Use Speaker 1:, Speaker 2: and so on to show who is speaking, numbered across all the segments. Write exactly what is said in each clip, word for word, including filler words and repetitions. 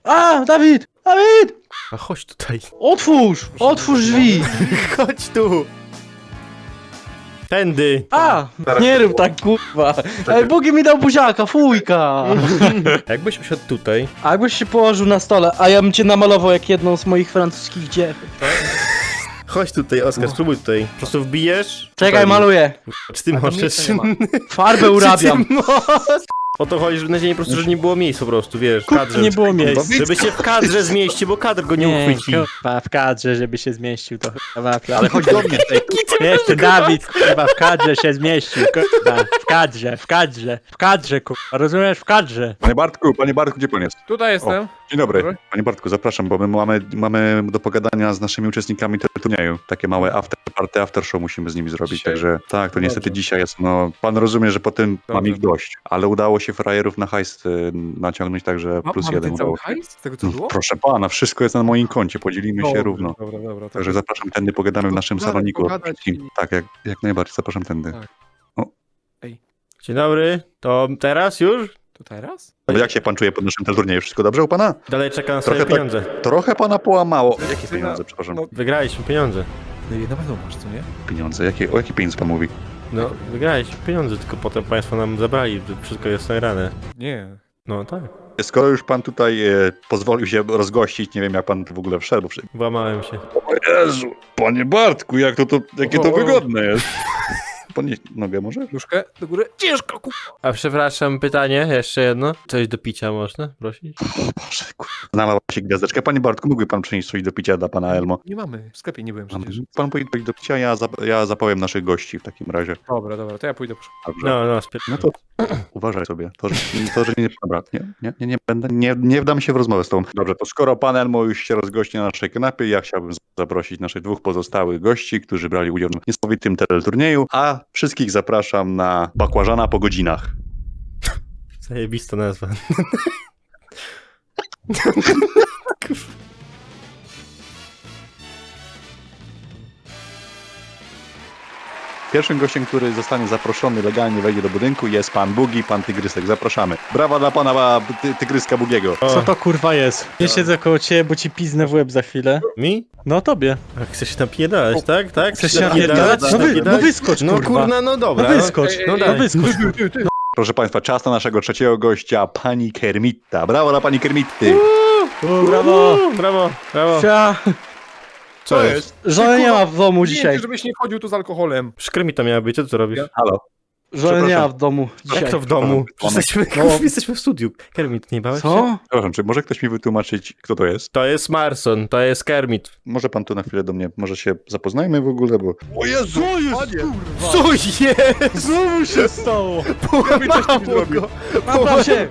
Speaker 1: A, Dawid! Dawid!
Speaker 2: A chodź tutaj.
Speaker 1: Otwórz! Otwórz drzwi!
Speaker 2: Chodź tu. Tędy.
Speaker 1: A! Nie rób tak, kurwa! Ej, Bugi mi dał buziaka, fujka!
Speaker 2: Jakbyś usiadł tutaj.
Speaker 1: A jakbyś się położył na stole, a ja bym cię namalował jak jedną z moich francuskich dziew.
Speaker 2: Chodź tutaj, Oskar, spróbuj tutaj. Po prostu wbijesz.
Speaker 1: Czekaj,
Speaker 2: Tutaj.
Speaker 1: maluję.
Speaker 2: Czy ty możesz?
Speaker 1: Farbę urabiam.
Speaker 2: Czy ty możesz? O to chodzi, że na dzień po prostu, że nie było miejsc po prostu, wiesz, w kadrze.
Speaker 1: Nie było miejsc.
Speaker 2: Żeby się w kadrze zmieścił, bo kadr go nie, uchwyci.
Speaker 1: Chyba w kadrze, żeby się zmieścił, to chyba wafla.
Speaker 3: Ale chodź do mnie tutaj.
Speaker 1: Jeszcze Dawid, chyba w kadrze się zmieścił, kurwa. W kadrze, w kadrze, w kadrze, kurwa. Rozumiesz? W kadrze.
Speaker 3: Panie Bartku, panie Bartku, gdzie pan jest?
Speaker 4: Tutaj jestem.
Speaker 3: Dzień dobry.
Speaker 4: Dobry.
Speaker 3: Panie Bartku, zapraszam, bo my mamy, mamy do pogadania z naszymi uczestnikami tego turnieju. Takie małe after party, after show musimy z nimi zrobić,
Speaker 4: Dzisiaj?
Speaker 3: także tak, to niestety
Speaker 4: Dobrze.
Speaker 3: dzisiaj jest, no, pan rozumie, że po tym mam
Speaker 4: Dobrze.
Speaker 3: ich dość, ale udało się frajerów na hajs y, naciągnąć, także
Speaker 4: Ma,
Speaker 3: plus
Speaker 4: mamy
Speaker 3: jeden
Speaker 4: ten cały
Speaker 3: udało się.
Speaker 4: hajs z tego co
Speaker 3: No,
Speaker 4: było?
Speaker 3: proszę pana, wszystko jest na moim koncie, podzielimy się
Speaker 4: Dobra,
Speaker 3: równo.
Speaker 4: Dobra, dobra. To
Speaker 3: Także zapraszam tędy, pogadamy w
Speaker 4: To
Speaker 3: naszym
Speaker 4: pogadać,
Speaker 3: saloniku.
Speaker 4: pogadać i-
Speaker 3: Tak, jak, jak najbardziej, zapraszam tędy.
Speaker 4: Tak.
Speaker 2: Dzień dobry, to teraz już?
Speaker 4: To teraz?
Speaker 3: No, jak się pan czuje pod naszym turnieju? Wszystko dobrze u pana?
Speaker 2: Dalej czeka na swoje
Speaker 3: Trochę tak-
Speaker 2: pieniądze.
Speaker 3: Trochę pana połamało. Jakie
Speaker 4: Syna,
Speaker 3: pieniądze, przepraszam?
Speaker 4: no-
Speaker 2: Wygraliśmy pieniądze.
Speaker 4: No i na pewno masz, co nie?
Speaker 3: Pieniądze, jakie, o jakie pieniądze pan mówi?
Speaker 2: No, wygraliśmy pieniądze, tylko potem państwo nam zabrali, to wszystko jest nagrane.
Speaker 4: Nie.
Speaker 2: No tak,
Speaker 3: Skoro już pan tutaj e, pozwolił się rozgościć, nie wiem jak pan w ogóle wszedł. Bo... przy-
Speaker 2: włamałem się.
Speaker 3: O Jezu, panie Bartku, jak to, to jakie to
Speaker 4: O.
Speaker 3: wygodne jest. Podnieś nogę może?
Speaker 4: Nóżkę do góry. Ciężko, ku...
Speaker 2: A przepraszam, pytanie, jeszcze jedno. Coś do picia można prosić?
Speaker 3: Boże, kurwa. Znalazła się gwiazdeczka. Panie Bartku, mógłby pan przynieść coś do picia dla pana Elmo?
Speaker 4: Nie mamy. W sklepie nie byłem przecież.
Speaker 3: Pan pójdzie coś do picia, ja, zap ja zapowiem naszych gości w takim razie.
Speaker 4: Dobra, dobra, to ja pójdę.
Speaker 3: Dobrze.
Speaker 2: No, no, spier...
Speaker 3: No to uważaj sobie. To, że, to, że nie, dobra, nie, nie, nie, nie będę, nie, nie wdam się w rozmowę z tobą. Dobrze, to skoro pan Elmo już się rozgości na naszej kanapie, ja chciałbym zaprosić naszych dwóch pozostałych gości, którzy brali udział w niesamowitym teleturnieju, a wszystkich zapraszam na bakłażana po godzinach.
Speaker 2: Zajebista nazwa.
Speaker 3: Pierwszym gościem, który zostanie zaproszony legalnie, wejdzie do budynku, jest pan Bugi, pan Tygrysek. Zapraszamy. Brawa dla pana ty, Tygryska Bugiego.
Speaker 1: Co to kurwa jest? Nie siedzę koło ciebie, bo ci piznę w łeb za chwilę.
Speaker 2: Mi?
Speaker 1: No tobie.
Speaker 2: A chcesz się napierdalać, tak? Tak?
Speaker 1: Chcesz się napierdalać? No, wy, no wyskocz,
Speaker 2: No
Speaker 1: kurwa.
Speaker 2: kurna, no dobra.
Speaker 1: No wyskocz,
Speaker 4: Ej, ej,
Speaker 1: no,
Speaker 4: ej,
Speaker 1: no
Speaker 4: ej,
Speaker 1: wyskocz.
Speaker 4: Ty, ty, ty.
Speaker 3: Proszę państwa, czas na naszego trzeciego gościa, pani Kermitta. Brawo dla pani Kermitty.
Speaker 1: O, brawo.
Speaker 2: Uuu, brawo, brawo.
Speaker 1: Sia.
Speaker 2: Co jest?
Speaker 1: Żony nie ma w domu dzisiaj.
Speaker 4: Nie, żebyś nie chodził tu z alkoholem.
Speaker 2: Szkrymi to miała być, co ty tu robisz?
Speaker 4: Ja-
Speaker 3: Halo.
Speaker 1: Żony nie ma
Speaker 3: Przepraszam.
Speaker 1: w domu dzisiaj.
Speaker 2: Jak to w domu?
Speaker 3: Przepraszam.
Speaker 2: Jesteśmy,
Speaker 1: No.
Speaker 2: jesteśmy w studiu. Kermit, nie bałeś się?
Speaker 1: Co?
Speaker 3: Przepraszam, czy może ktoś mi wytłumaczyć, kto to jest?
Speaker 2: To jest Marson, to jest Kermit.
Speaker 3: Może pan tu na chwilę do mnie, może się zapoznajmy w ogóle, bo... O Jezu!
Speaker 1: Co jest, kurwa?
Speaker 2: Co jest?
Speaker 1: Znowu się stało?
Speaker 2: Połamało go.
Speaker 1: Napraw się!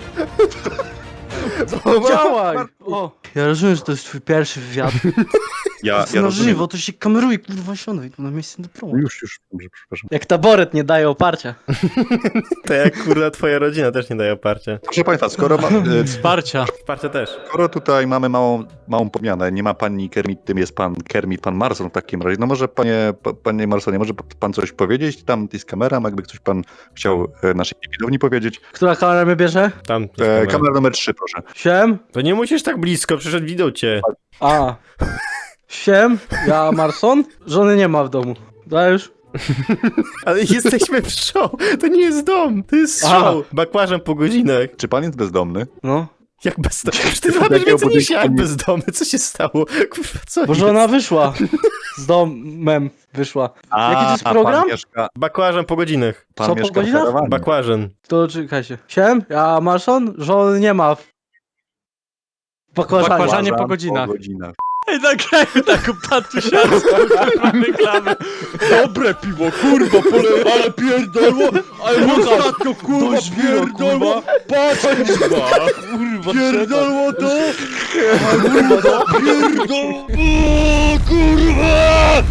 Speaker 2: Połamało.
Speaker 1: Działaj! O. Ja rozumiem, że to jest twój pierwszy wywiad.
Speaker 3: Ja,
Speaker 1: Ja,
Speaker 3: ja
Speaker 1: na
Speaker 3: rozumiem.
Speaker 1: żywo, to się kameruje, kurwa, siadaj tu na miejsce do promu.
Speaker 3: Już, już, dobrze, przepraszam.
Speaker 1: Jak taboret nie daje oparcia.
Speaker 2: To jak kurwa twoja rodzina też nie daje oparcia.
Speaker 3: Proszę państwa, skoro, ma, e,
Speaker 1: Wsparcia.
Speaker 2: Wsparcia też.
Speaker 3: skoro tutaj mamy małą, małą podmianę, nie ma pani Kermit, tym jest pan Kermit, pan Marson w takim razie, no może panie, pa- panie Marsonie, może pan coś powiedzieć? Tam jest kamera, jakby ktoś pan chciał e, naszej widowni powiedzieć.
Speaker 1: Która kamera mnie bierze?
Speaker 2: Tam jest
Speaker 3: E,
Speaker 2: kamera.
Speaker 3: kamera numer trzy, proszę.
Speaker 1: Siem?
Speaker 2: To nie musisz tak blisko, przyszedł widział cię.
Speaker 1: A. Siem? Ja Marson? Żony nie ma w domu. Dajesz?
Speaker 2: Ale jesteśmy w show. To nie jest dom, to jest
Speaker 1: Aha.
Speaker 2: show. Bakłażem po godzinach.
Speaker 3: Czy pan jest bezdomny?
Speaker 1: No.
Speaker 2: Jak bezdomny? Przecież ty robisz
Speaker 3: Jakiego
Speaker 2: więcej niż ja, jak
Speaker 3: budynku?
Speaker 2: bezdomny. Co się stało? Kurwa, co
Speaker 1: Bo
Speaker 2: jest?
Speaker 1: żona wyszła. Z domem wyszła. Jaki to jest
Speaker 3: a
Speaker 1: program?
Speaker 3: Pan mieszka,
Speaker 2: Bakłażem po godzinach.
Speaker 3: pan
Speaker 1: Co, po
Speaker 3: mieszka w
Speaker 1: godzinach?
Speaker 3: karawanie.
Speaker 2: Bakłażen.
Speaker 1: To czekajcie. Siem? Ja Marson? Żony nie ma. W bakłażanie.
Speaker 4: Bakłażanie po
Speaker 3: Uważam,
Speaker 4: godzinach.
Speaker 3: Po godzinach.
Speaker 1: Ej, nagrajmy taką patusiarską reklamę. Dobre piwo, kurwa, pole, ale pierdolło, ale ostatnio, kurwa, pierdolło, patrz, kurwa, kurwa, pierdolło to, a kurwa, to pierdolło, kurwa!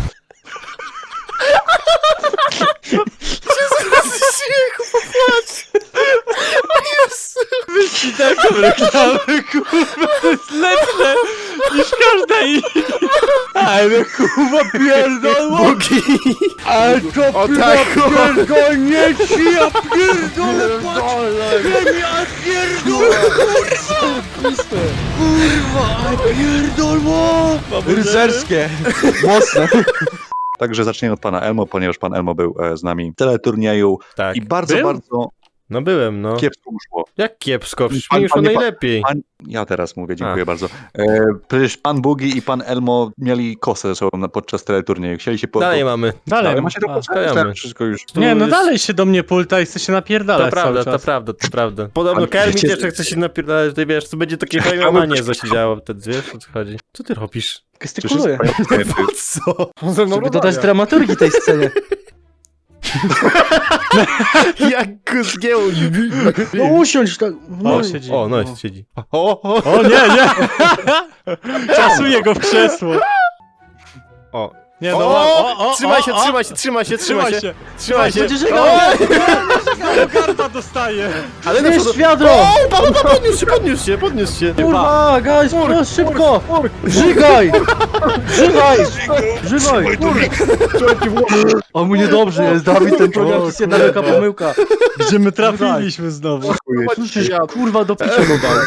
Speaker 2: Śmiechu, popłacz.
Speaker 1: Wyścig taką reklamę, kurwa, to jest lepsze niż każda i... Ale kurwa pierdolło!
Speaker 2: Bugi!
Speaker 1: Ale to
Speaker 4: O
Speaker 1: kurwa
Speaker 4: tak, o.
Speaker 1: pierdolnie ci, ja pierdolę, patrz! Ja pierdolę, kurwa! Kurwa, pierdolło! Rycerskie! Mocne.
Speaker 3: Także zacznijmy od pana Elmo, ponieważ pan Elmo był e, z nami w teleturnieju
Speaker 2: Tak.
Speaker 3: i bardzo,
Speaker 2: Był?
Speaker 3: bardzo
Speaker 2: No byłem, no.
Speaker 3: kiepsko mu szło.
Speaker 2: Jak kiepsko, przecież
Speaker 3: Pan-
Speaker 2: mi szło
Speaker 3: panie-
Speaker 2: najlepiej.
Speaker 3: Pan, ja teraz mówię, dziękuję
Speaker 2: A.
Speaker 3: bardzo. E, przecież pan Bugi i pan Elmo mieli kosę ze sobą na, podczas teleturnieju. Chcieli się po...
Speaker 2: Dalej
Speaker 3: po,
Speaker 2: mamy.
Speaker 1: Dalej,
Speaker 3: Dalej macie to
Speaker 1: a,
Speaker 2: stajemy.
Speaker 3: wszystko już.
Speaker 1: Nie, no
Speaker 2: jest-
Speaker 1: dalej się do mnie pulta i chce się napierdalać
Speaker 2: To prawda,
Speaker 1: cały
Speaker 2: to
Speaker 1: czas.
Speaker 2: prawda, to prawda. Podobno
Speaker 3: Ale
Speaker 2: Kermit
Speaker 3: wiecie,
Speaker 2: jeszcze chce się napierdalać, ty wiesz, to będzie takie fajnomanie, co się działo wtedy, wiesz, o co chodzi. Co ty robisz?
Speaker 5: Gestykuluję.
Speaker 2: Po co?
Speaker 4: On ze mną
Speaker 5: Żeby dodać
Speaker 4: rozmawia.
Speaker 5: dramaturgii tej scenie.
Speaker 2: Jak go zgięło.
Speaker 5: No usiądź tak. No,
Speaker 1: O, siedzi.
Speaker 2: O, no, siedzi. O, o,
Speaker 1: O nie, nie! Czasuje go w krzesło.
Speaker 2: o.
Speaker 1: Nie no,
Speaker 2: O,
Speaker 1: o, o,
Speaker 2: trzymaj
Speaker 1: o,
Speaker 2: się,
Speaker 1: o,
Speaker 2: trzymaj się, trzymaj się, trzymaj się. Trzymaj się.
Speaker 5: Będzie żegał.
Speaker 1: O, garba dostaje.
Speaker 2: Ale na
Speaker 5: Weź
Speaker 2: przodu.
Speaker 5: wiadro!
Speaker 2: O, pa, pa, pa, podniósł się, podniósł się, podniósł się.
Speaker 5: Kurwa, guys, no, szybko! Żygaj! Żygaj! Żygaj! O mu niedobrze jest, Dawid, ten program to jest jedna wielka pomyłka.
Speaker 1: Gdzie my trafiliśmy znowu?
Speaker 5: Słyszysz, kurwa, do picia go dał.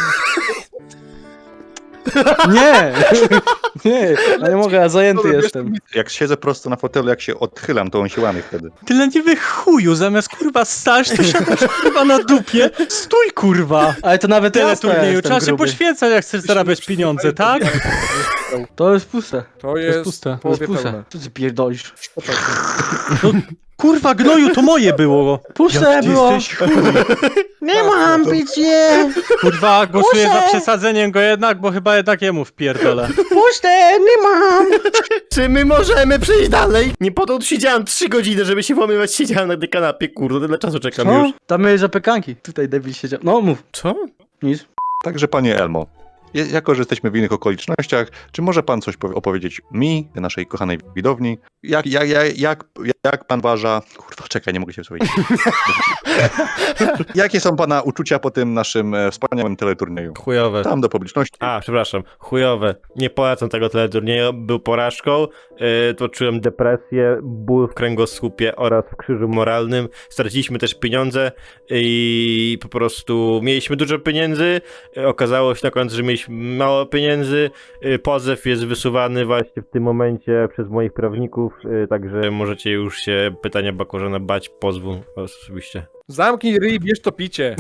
Speaker 5: Nie! Nie, ja nie mogę, ja zajęty jestem.
Speaker 3: Jak siedzę prosto na fotelu, jak się odchylam, to on się łamie wtedy.
Speaker 1: Ty leniwy chuju, zamiast kurwa stać, to siadasz kurwa na dupie. Stój kurwa!
Speaker 5: Ale to nawet ja
Speaker 1: Teleturnieju,
Speaker 5: jestem
Speaker 1: trzeba się
Speaker 5: gruby.
Speaker 1: poświęcać, jak chcesz zarabiać pieniądze, tak?
Speaker 5: To jest puste.
Speaker 4: To jest,
Speaker 1: puste.
Speaker 5: To jest
Speaker 4: połowie
Speaker 5: puste.
Speaker 4: pełne.
Speaker 5: Co ty pierdolisz?
Speaker 1: Kurwa gnoju, to moje było.
Speaker 5: Puste
Speaker 1: Jak ty
Speaker 5: było.
Speaker 1: jesteś chuj.
Speaker 5: Nie mam picie!
Speaker 1: Kurwa, głosuję
Speaker 5: Muszę.
Speaker 1: za przesadzeniem go jednak, bo chyba jednak jemu wpierdolę.
Speaker 5: Puste, nie mam!
Speaker 2: Czy my możemy przejść dalej? Nie po to tu siedziałem trzy godziny, żeby się włamywać, siedziałem na tej kanapie, kurde, tyle czasu czekam
Speaker 5: Co?
Speaker 2: już.
Speaker 5: Tam mieli zapiekanki. Tutaj debil siedział. No mów.
Speaker 2: Co?
Speaker 5: Nic.
Speaker 3: Także panie Elmo, je- jako że jesteśmy w innych okolicznościach, czy może pan coś powie- opowiedzieć mi, naszej kochanej widowni? Jak, jak, jak, jak, jak pan uważa... Kurwa, czekaj, nie mogę się wsłuchać. Jakie są pana uczucia po tym naszym e, wspaniałym teleturnieju?
Speaker 2: Chujowe.
Speaker 3: Tam do publiczności.
Speaker 2: A, przepraszam, chujowe. Nie polecam tego teleturnieju, był porażką, yy, to czułem depresję, ból w kręgosłupie oraz w krzyżu moralnym. Straciliśmy też pieniądze i po prostu mieliśmy dużo pieniędzy, yy, okazało się na końcu, że mieliśmy mało pieniędzy, yy, pozew jest wysuwany właśnie w tym momencie przez moich prawników, yy, także możecie już się pytania Bakorzana bać pozwu oczywiście.
Speaker 4: Zamknij ryj, bierz to picie.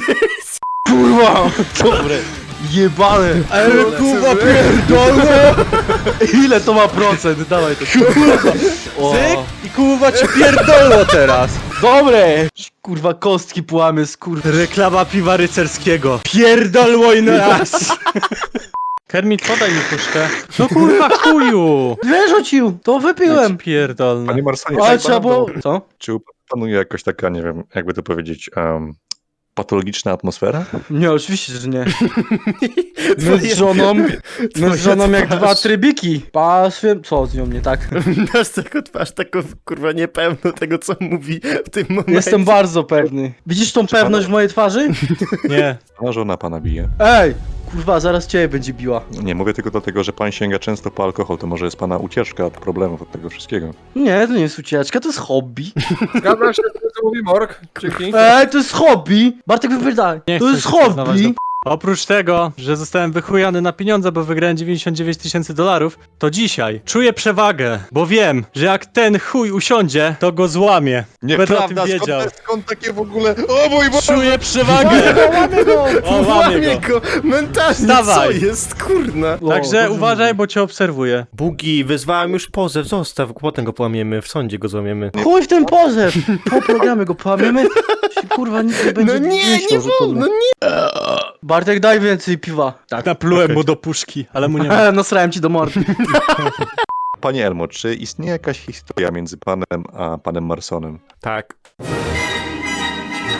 Speaker 5: Kurwa! Dobre. Jebane!
Speaker 1: Ale kurwa pierdolę!
Speaker 5: Ile to ma procent? Dawaj to. O.
Speaker 1: Cyk i kurwa ci pierdolę teraz.
Speaker 5: Dobre! Kurwa, kostki połamy z kurwa.
Speaker 1: Reklama piwa rycerskiego. Pierdolło i na raz. Kermit, podaj mi puszkę. No kurwa chuju!
Speaker 5: Wyrzucił! To wypiłem!
Speaker 1: Pierdolne.
Speaker 3: Panie Marsonie,
Speaker 5: Ale
Speaker 3: tak
Speaker 5: trzeba było...
Speaker 3: bardzo-
Speaker 5: Co?
Speaker 3: Czy panuje jakaś taka, nie wiem, jakby to powiedzieć, um, patologiczna atmosfera?
Speaker 5: Nie, oczywiście, że nie. My
Speaker 2: Twoje-
Speaker 5: z żoną... My
Speaker 2: twoja
Speaker 5: z żoną jak
Speaker 2: twarz.
Speaker 5: dwa trybiki. Pasłem... Co z nią nie tak?
Speaker 2: Masz taką twarz, taką kurwa niepewną tego, co mówi w tym momencie.
Speaker 5: Jestem bardzo pewny. Widzisz tą pewność w mojej twarzy?
Speaker 1: Nie.
Speaker 3: A żona pana bije.
Speaker 5: Ej! Kurwa, zaraz ciebie będzie biła.
Speaker 3: Nie, mówię tylko dlatego, że pan sięga często po alkohol, to może jest pana ucieczka od problemów, od tego wszystkiego.
Speaker 5: Nie, to nie jest ucieczka, to jest hobby.
Speaker 4: Zgadzam się z tym, co mówi Morg. Dzięki.
Speaker 5: Ej, to jest hobby! Bartek, wypierdaj.
Speaker 1: Nie
Speaker 5: To
Speaker 1: chcę
Speaker 5: jest
Speaker 1: się przyznawać
Speaker 5: hobby!
Speaker 1: do- Oprócz tego, że zostałem wychujany na pieniądze, bo wygrałem dziewięćdziesiąt dziewięć tysięcy dolarów, to dzisiaj czuję przewagę, bo wiem, że jak ten chuj usiądzie, to go złamie. Będę o tym wiedział.
Speaker 3: Skąd, skąd takie w ogóle... O mój Boże!
Speaker 1: Czuję przewagę!
Speaker 5: Łamie go!
Speaker 1: O, łamie go.
Speaker 2: mentalnie,
Speaker 1: Wstawaj.
Speaker 2: co jest, kurna?
Speaker 1: Także
Speaker 5: dobrze
Speaker 1: uważaj,
Speaker 5: mówi.
Speaker 1: bo cię obserwuję.
Speaker 2: Bugi, wyzwałem już pozew, zostaw, potem go połamiemy, w sądzie go złamiemy.
Speaker 5: Chuj w ten pozew! Po programie go połamiemy. Się, kurwa, nic nie będzie
Speaker 2: No nie,
Speaker 5: myślał,
Speaker 2: nie
Speaker 5: że to
Speaker 2: wolno,
Speaker 5: my.
Speaker 2: nie!
Speaker 5: Bartek, daj więcej piwa.
Speaker 1: Tak, naplułem mu do puszki, ale mu nie ma.
Speaker 5: E, Nasrałem ci do mordy.
Speaker 3: Panie Elmo, czy istnieje jakaś historia między panem a panem Marsonem?
Speaker 2: Tak.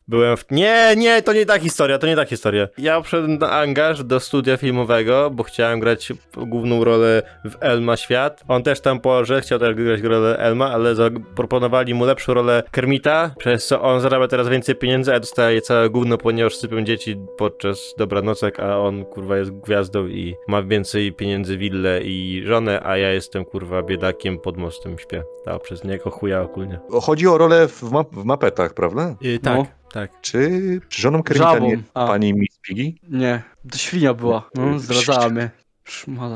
Speaker 2: Byłem w... Nie, nie, to nie ta historia, to nie ta historia. Ja poszedłem na angaż do studia filmowego, bo chciałem grać główną rolę w Elma Świat. On też tam położył, chciał też grać rolę Elma, ale zaproponowali mu lepszą rolę Kermita, przez co on zarabia teraz więcej pieniędzy, a ja dostaję całe gówno, ponieważ sypią dzieci podczas dobranocek, a on kurwa jest gwiazdą i ma więcej pieniędzy, willę i żonę, a ja jestem kurwa biedakiem pod mostem śpię. Dał przez niego chuja ogólnie.
Speaker 3: Chodzi o rolę w, ma w mapetach, prawda?
Speaker 2: Yy, tak,
Speaker 5: No.
Speaker 2: tak.
Speaker 3: Czy żoną Kermita
Speaker 5: Żabą.
Speaker 3: nie
Speaker 5: A.
Speaker 3: pani Miss Piggy?
Speaker 5: Nie, to świnia była. No, zdradzała mnie. Szmala.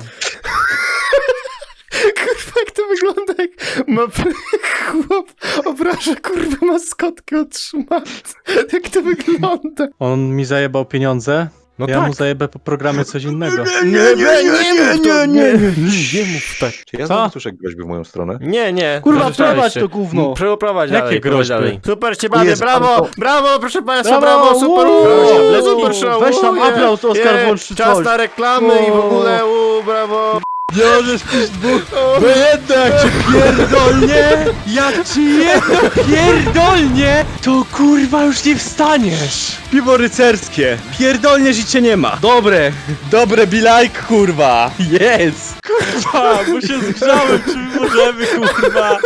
Speaker 2: Kurwa, jak to wygląda, jak ma chłop obraża kurwa maskotkę od szmat. Jak to wygląda?
Speaker 6: On mi zajebał pieniądze,
Speaker 2: No
Speaker 6: ja
Speaker 2: tak.
Speaker 6: mu zajebę po programie coś innego.
Speaker 2: Nie, nie, nie, nie, nie, nie, nie mów tak.
Speaker 3: Czy ja
Speaker 6: Co?
Speaker 3: znowu słyszę groźby w moją stronę?
Speaker 2: Nie, nie.
Speaker 5: Kurwa,
Speaker 2: Zarzeczałeś
Speaker 5: prowadź
Speaker 2: się.
Speaker 5: to gówno.
Speaker 2: Przeprowadź
Speaker 6: Jakie
Speaker 2: dalej, prowadź
Speaker 6: groźby?
Speaker 2: dalej. Super cię bawię,
Speaker 3: Jest
Speaker 2: brawo,
Speaker 3: pan
Speaker 2: brawo, proszę państwa,
Speaker 5: Brawo,
Speaker 2: brawo, super,
Speaker 5: uuu,
Speaker 2: uuu, super show,
Speaker 5: weź tam
Speaker 2: uuu,
Speaker 5: aplauz,
Speaker 2: je,
Speaker 5: Oskar
Speaker 2: je,
Speaker 5: włącz czy
Speaker 2: czas
Speaker 5: coś.
Speaker 2: na reklamy i w ogóle, uuu, brawo.
Speaker 1: Możesz pić dwóch, bo jedno jak cię pierdolnie, jak ci jedno pierdolnie, to kurwa już nie wstaniesz. Piwo rycerskie, pierdolniesz i cię nie ma. Dobre, dobre be like, kurwa, yes. Kurwa, bo się zgrzałem, czy my możemy, kurwa.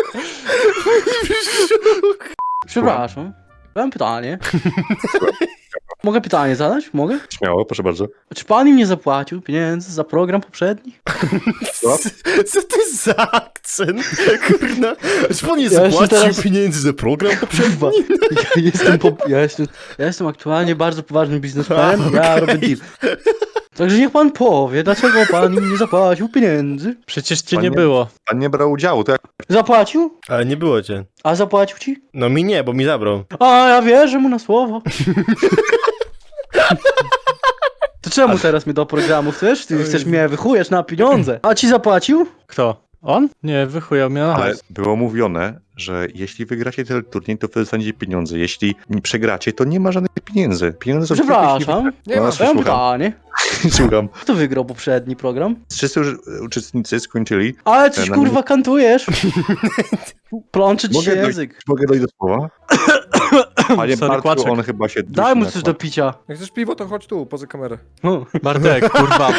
Speaker 5: Przepraszam. Mam pytanie. Mogę pytanie zadać? Mogę?
Speaker 3: Śmiało, proszę bardzo.
Speaker 5: Czy pan im nie zapłacił pieniędzy za program poprzedni?
Speaker 3: Co?
Speaker 2: Co to jest za akcent? Kurna, czy pan nie
Speaker 5: Ja jeszcze
Speaker 2: zapłacił
Speaker 5: teraz-
Speaker 2: pieniędzy za program poprzedni?
Speaker 5: Kurwa, ja jestem, po, ja, jestem, ja jestem aktualnie bardzo poważnym biznesmenem, ja robię deal. Także niech pan powie, dlaczego pan im nie zapłacił pieniędzy?
Speaker 6: Przecież cię
Speaker 3: Pan
Speaker 6: nie
Speaker 3: nie-
Speaker 6: było.
Speaker 3: Pan nie brał udziału, to jak
Speaker 5: Zapłacił?
Speaker 2: Ale nie było cię.
Speaker 5: A zapłacił ci?
Speaker 2: No mi nie, bo mi zabrał.
Speaker 5: A ja wierzę mu na słowo. To czemu teraz mnie do programu chcesz? Ty chcesz mnie wychujesz na pieniądze. A ci zapłacił?
Speaker 6: Kto? On? Nie, wychujał mnie na
Speaker 3: Ale
Speaker 6: hajs.
Speaker 3: było mówione, że jeśli wygracie ten turniej, to wy dostaniecie pieniądze. Jeśli nie przegracie, to nie ma żadnych pieniędzy. Pieniądze są tylko, jeśli
Speaker 5: Przepraszam.
Speaker 4: Nie
Speaker 3: No,
Speaker 4: ma.
Speaker 5: Ja mam
Speaker 3: słucham.
Speaker 5: pytanie.
Speaker 3: Słucham.
Speaker 5: Kto wygrał poprzedni program?
Speaker 3: Wszyscy już uczestnicy skończyli.
Speaker 5: Ale coś
Speaker 3: Na
Speaker 5: kurwa kantujesz. Plączy ci się
Speaker 3: Mogę dojść-
Speaker 5: język.
Speaker 3: Mogę dojść do słowa? Panie
Speaker 6: Sorry,
Speaker 3: Bartku,
Speaker 6: kłaczek.
Speaker 3: on chyba się...
Speaker 5: Daj mu
Speaker 3: dusi
Speaker 5: coś
Speaker 3: na
Speaker 5: do picia.
Speaker 4: Jak chcesz piwo, to chodź tu, poza kamerę.
Speaker 5: No.
Speaker 6: Bartek, kurwa.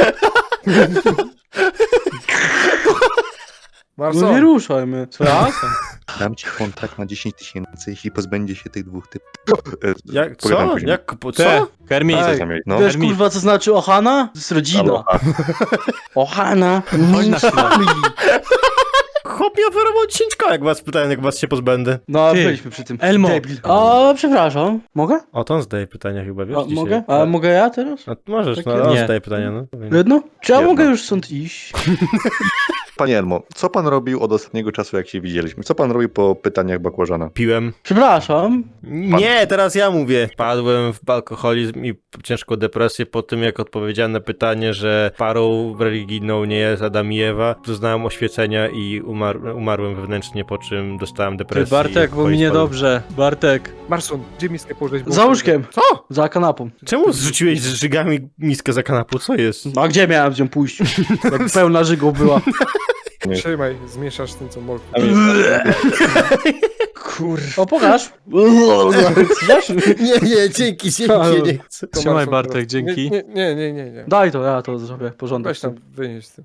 Speaker 5: No
Speaker 4: Marso,
Speaker 5: nie ruszaj mnie. Co ja?
Speaker 3: Dam ci kontrakt na dziesięć tysięcy, jeśli pozbędzie się tych dwóch typów. E,
Speaker 2: Jak,
Speaker 3: pogadam
Speaker 2: co?
Speaker 3: później.
Speaker 2: Jak, po,
Speaker 6: Te,
Speaker 2: co?
Speaker 6: Kermit.
Speaker 3: Co
Speaker 5: Ej,
Speaker 3: za mieli? No.
Speaker 5: Wiesz
Speaker 6: Hermit.
Speaker 5: kurwa co znaczy Ohana? To jest rodzina.
Speaker 3: Aloha.
Speaker 5: Ohana.
Speaker 6: Chodź na chwilę.
Speaker 2: Chłop mi oferował dziesięć koła, jak was pytałem, jak was się pozbędę.
Speaker 5: No,
Speaker 6: Ty,
Speaker 5: byliśmy przy tym.
Speaker 6: Elmo.
Speaker 5: Debil. A, przepraszam. Mogę?
Speaker 2: O, to on zadaje pytania chyba, wiesz,
Speaker 5: A,
Speaker 2: dzisiaj.
Speaker 5: mogę? A mogę ja teraz?
Speaker 2: A, możesz, no,
Speaker 5: Takie-
Speaker 2: ale on
Speaker 6: Nie.
Speaker 2: zadaje pytania, no.
Speaker 5: Jedno? Czy ja
Speaker 3: Jedno.
Speaker 5: mogę już stąd iść?
Speaker 3: Panie Elmo, co pan robił od ostatniego czasu, jak się widzieliśmy? Co pan robił po pytaniach bakłażana?
Speaker 2: Piłem.
Speaker 5: Przepraszam.
Speaker 2: Nie, teraz ja mówię. Padłem w alkoholizm i ciężką depresję po tym, jak odpowiedziałem na pytanie, że parą religijną nie jest Adam i Ewa. Doznałem oświecenia i umar umarłem wewnętrznie, po czym dostałem
Speaker 6: Ty,
Speaker 2: depresję.
Speaker 6: Bartek,
Speaker 2: i
Speaker 6: bo mi
Speaker 2: spadłem.
Speaker 6: niedobrze. Bartek.
Speaker 4: Marson, gdzie miskę położyć?
Speaker 5: Za łóżkiem.
Speaker 4: Co?
Speaker 5: Za kanapą.
Speaker 2: Czemu zrzuciłeś z żygami miskę za kanapą? Co jest?
Speaker 5: A gdzie miałem z nią pójść? Jak pełna żygą była.
Speaker 3: Nie.
Speaker 4: Trzymaj, zmieszasz z tym, co molku.
Speaker 5: Kur... O, pokaż. Chcesz?
Speaker 2: Nie, nie, dzięki, dzięki, nie chcę.
Speaker 4: To
Speaker 6: Trzymaj,
Speaker 4: Marson,
Speaker 6: Bartek,
Speaker 4: teraz.
Speaker 6: dzięki.
Speaker 4: Nie, nie, nie, nie, nie.
Speaker 5: Daj to, ja to zrobię porządek.
Speaker 4: Weź tam, wynieś z tym.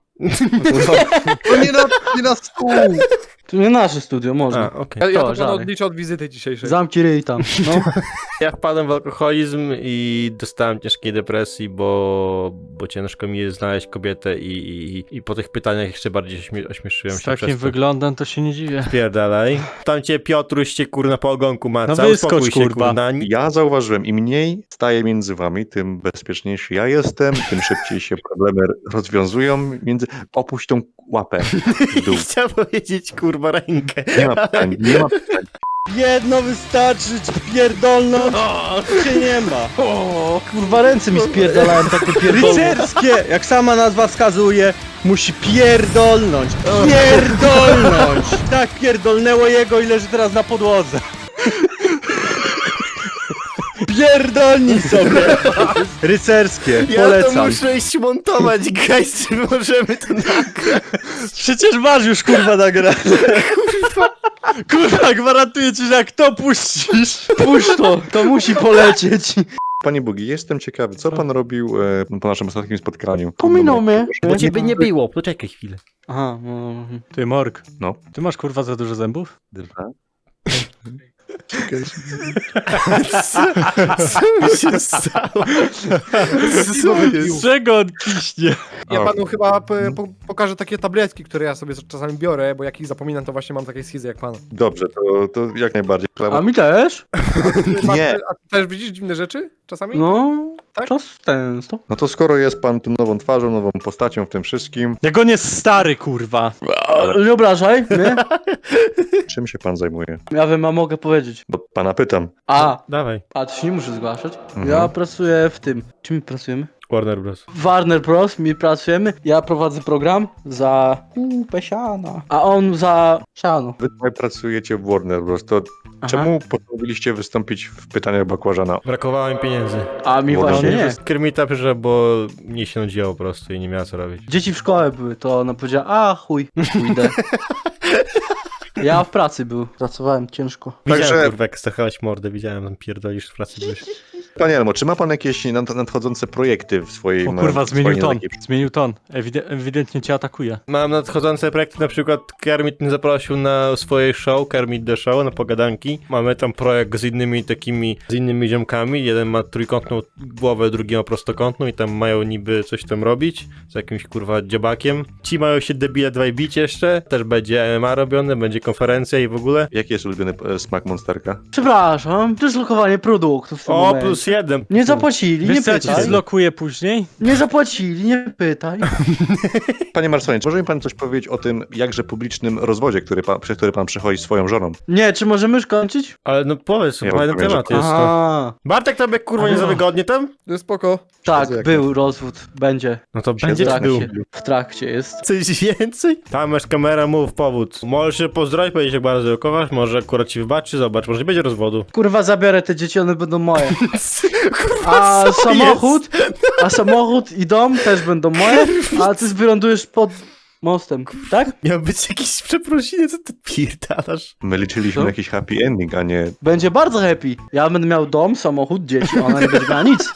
Speaker 3: No nie na, nie na stół!
Speaker 5: To nie nasze studio, można.
Speaker 2: A, okej.
Speaker 4: Ja, ja
Speaker 5: To,
Speaker 4: to panu
Speaker 5: żadnej.
Speaker 4: odliczę od wizyty dzisiejszej.
Speaker 5: Zamknij ryj tam. No.
Speaker 2: Ja wpadłem w alkoholizm i dostałem ciężkiej depresji, bo, bo ciężko mi jest znaleźć kobietę i, i, i po tych pytaniach jeszcze bardziej śmie ośmieszyłem
Speaker 6: Z
Speaker 2: się
Speaker 6: takim
Speaker 2: przez to.
Speaker 6: wyglądem to się nie dziwię.
Speaker 2: Pierdalaj. Tam cię Piotruś cię kurna po ogonku maca.
Speaker 6: No wyskocz,
Speaker 2: Uspokój się,
Speaker 6: kurwa.
Speaker 2: kurna.
Speaker 3: Ja zauważyłem, im mniej staje między wami, tym bezpieczniejszy ja jestem, tym szybciej się problemy rozwiązują. Między... Opuść tą łapę w dół.
Speaker 2: Chciałem powiedzieć kurwa rękę.
Speaker 3: Nie ma pytań, nie ma pytań.
Speaker 1: Jedno wystarczy, pierdolno, cię nie ma.
Speaker 5: O, kurwa, ręce mi spierdalałem tak do pierdolą.
Speaker 1: Rycerskie, jak sama nazwa wskazuje, musi pierdolnąć, pierdolnąć. Tak pierdolnęło jego i leży teraz na podłodze. Pierdolnij sobie. Rycerskie,
Speaker 2: Ja to
Speaker 1: polecam.
Speaker 2: muszę iść montować, guys, czy możemy to nagrać?
Speaker 1: Przecież masz już kurwa nagrane.
Speaker 6: Kurwa, gwarantuję ci, że jak to puścisz...
Speaker 5: Puść to, to musi polecieć.
Speaker 3: Panie Bugi, jestem ciekawy, co pan robił e, po naszym ostatnim spotkaniu?
Speaker 5: Pominął mnie.
Speaker 2: Bo ciebie nie było, poczekaj chwilę.
Speaker 5: Aha, no.
Speaker 6: Ty, Morg.
Speaker 3: No.
Speaker 6: Ty masz kurwa za dużo zębów?
Speaker 3: Dwa.
Speaker 2: Co, co mi się stało? Co
Speaker 6: Z czego on kiśnie?
Speaker 4: Ja
Speaker 3: O.
Speaker 4: panu chyba p- po pokażę takie tabletki, które ja sobie czasami biorę, bo jak ich zapominam, to właśnie mam takie schizy jak pan.
Speaker 3: Dobrze, to, to jak najbardziej.
Speaker 5: A mi też?
Speaker 3: Nie.
Speaker 4: A ty też widzisz dziwne rzeczy czasami?
Speaker 5: No,
Speaker 4: Tak?
Speaker 5: czas ten, stop.
Speaker 3: No to skoro jest pan tą nową twarzą, nową postacią w tym wszystkim,
Speaker 6: Jak on jest stary, kurwa.
Speaker 5: Nie obrażaj, nie?
Speaker 3: czym się pan zajmuje?
Speaker 5: Ja wiem, a mogę powiedzieć.
Speaker 3: Bo pana pytam.
Speaker 5: A,
Speaker 2: Dawaj,
Speaker 5: a to się nie muszę zgłaszać.
Speaker 3: Mhm.
Speaker 5: Ja pracuję w tym. Czym my pracujemy?
Speaker 2: Warner Bros.
Speaker 5: Warner Bros. My pracujemy. Ja prowadzę program za kupę siana. A on za siano.
Speaker 3: Wy tutaj pracujecie w Warner Bros. To
Speaker 5: Aha.
Speaker 3: czemu postanowiliście wystąpić w pytaniach bakłażana?
Speaker 2: Brakowało mi pieniędzy.
Speaker 5: A mi
Speaker 3: Warner
Speaker 5: właśnie nie.
Speaker 2: Nie. Kermita przyszła, bo mnie się nudziło po prostu i nie miała co robić.
Speaker 5: Dzieci w szkole były, to ona powiedziała, a chuj, pójdę. Ja w pracy był. Pracowałem ciężko.
Speaker 2: Widziałem,
Speaker 3: Także-
Speaker 2: kurwa, jak stachałeś mordę, widziałem, tam pierdolisz w pracy byłeś.
Speaker 3: Panie Elmo, czy ma pan jakieś nad- nadchodzące projekty w swojej...
Speaker 6: O
Speaker 3: na-
Speaker 6: kurwa,
Speaker 3: w swojej
Speaker 6: zmienił ton.
Speaker 3: takiej-
Speaker 6: Zmienił ton. Ewide ewidentnie cię atakuje.
Speaker 2: Mam nadchodzące projekty, na przykład Kermit mnie zaprosił na swoje show, Kermit The Show, na pogadanki. Mamy tam projekt z innymi takimi, z innymi ziomkami. Jeden ma trójkątną głowę, drugi ma prostokątną i tam mają niby coś tam robić z jakimś kurwa dziobakiem. Ci mają się debile dwaj bić jeszcze, też będzie M M A robione, będzie konferencja i w ogóle.
Speaker 3: Jaki jest ulubiony e, smak Monsterka?
Speaker 5: Przepraszam, dyslokowanie produktów w tym
Speaker 2: O,
Speaker 5: momencie.
Speaker 2: plus jeden.
Speaker 5: Nie zapłacili, nie
Speaker 6: Wiesz co, ja ci
Speaker 5: pytaj.
Speaker 6: zlokuję później?
Speaker 5: Nie zapłacili, nie pytaj.
Speaker 3: Panie Marsonie, czy może mi pan coś powiedzieć o tym jakże publicznym rozwodzie, który pan, przez który pan przechodzi swoją żoną?
Speaker 5: Nie, czy możemy już kończyć?
Speaker 2: Ale no powiedz,
Speaker 3: Ja
Speaker 2: fajny
Speaker 3: rozumiem, że-
Speaker 2: temat jest to.
Speaker 5: Aha,
Speaker 2: Bartek, tobie kurwa nie za wygodnie tam?
Speaker 4: To jest spoko.
Speaker 5: tak,
Speaker 3: jak
Speaker 5: był rozwód, będzie.
Speaker 2: No to
Speaker 5: W
Speaker 2: będzie czy był?
Speaker 5: trakcie, w trakcie jest.
Speaker 2: Coś więcej? Tam masz kamera, mów powód. Możesz się pozdrowić, powiedzieć jak bardzo kochasz, może akurat ci wybaczy, zobacz, może nie będzie rozwodu.
Speaker 5: Kurwa, zabiorę te dzieci, one będą moje.
Speaker 2: Kurwa,
Speaker 5: A
Speaker 2: co
Speaker 5: samochód, a samochód i dom też będą moje, a ty wylądujesz pod mostem, tak?
Speaker 2: jest? Miał być jakiś przeprosiny, co ty pierdalasz?
Speaker 3: My liczyliśmy
Speaker 5: Co?
Speaker 3: na jakiś happy ending, a nie...
Speaker 5: Będzie bardzo happy. Ja będę miał dom, samochód, dzieci, ona nie będzie miała nic.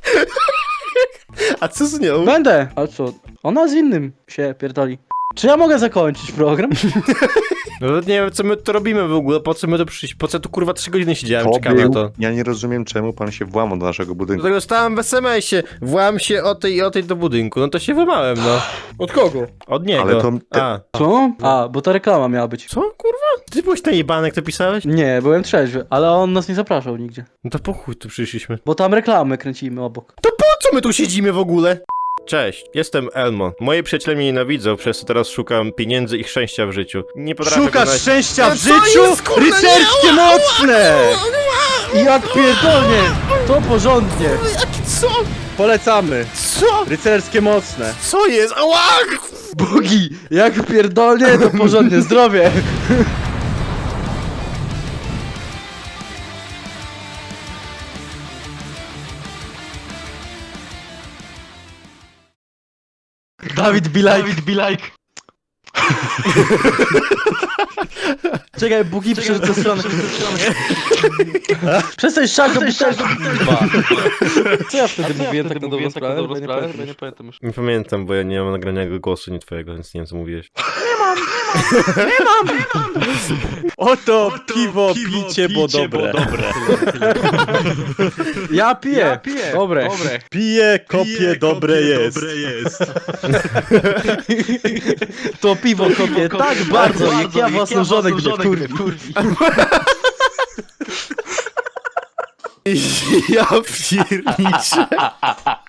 Speaker 2: A co z nią?
Speaker 5: Będę. A co? Ona z innym się pierdoli. Czy ja mogę zakończyć program?
Speaker 2: No to nie wiem, co my tu robimy w ogóle, po co my tu przyjść, po co tu kurwa trzy godziny siedziałem,
Speaker 3: To
Speaker 2: czekamy na
Speaker 3: był-
Speaker 2: to.
Speaker 3: Ja nie rozumiem, czemu pan się włamał do naszego budynku.
Speaker 2: Dlatego stałem w es em esie, włam się o tej i o tej do budynku, no to się wymałem, no.
Speaker 4: Od kogo?
Speaker 2: Od niego.
Speaker 3: Ale to-
Speaker 2: A.
Speaker 5: Co? A, bo ta reklama miała być.
Speaker 2: Co, kurwa? Ty byłeś najebany, jak to pisałeś?
Speaker 5: Nie, byłem trzeźwy, ale on nas nie zapraszał nigdzie.
Speaker 2: No to po chuj tu przyszliśmy.
Speaker 5: Bo tam reklamy kręcimy obok.
Speaker 2: Po co my tu siedzimy w ogóle? Cześć, jestem Elmo. Moi przyjaciele mnie nienawidzą, przez co teraz szukam pieniędzy i szczęścia w życiu. Nie potrafię
Speaker 6: Szukasz
Speaker 2: znaleźć-
Speaker 6: szczęścia w
Speaker 2: No co
Speaker 6: życiu?
Speaker 2: jest, kurwa,
Speaker 6: Rycerskie mocne!
Speaker 5: Jak pierdolnie! To porządnie!
Speaker 2: Co?
Speaker 6: Polecamy.
Speaker 2: Co?
Speaker 6: Rycerskie mocne.
Speaker 2: Co jest? Ała!
Speaker 5: Bogi! Jak pierdolnie, to porządnie, zdrowie! Dawid Bilajk. Dawid Bilajk. Czekaj, Bugi przerzucę stronę. Przestań szako, butelkę. Co ja wtedy mówiłem tak na dobrą sprawę? Bo nie pamiętam już.
Speaker 2: Nie pamiętam, bo ja nie mam nagrania głosu, nie twojego, więc nie wiem co mówiłeś.
Speaker 6: Oto piwo, picie, bo dobre.
Speaker 5: Ja piję. Dobre.
Speaker 6: Pije, kopie, dobre jest.
Speaker 5: To piwo kopię tak bardzo, jak ja własną żonę gdzie kurwi.
Speaker 2: Ja pierniczę.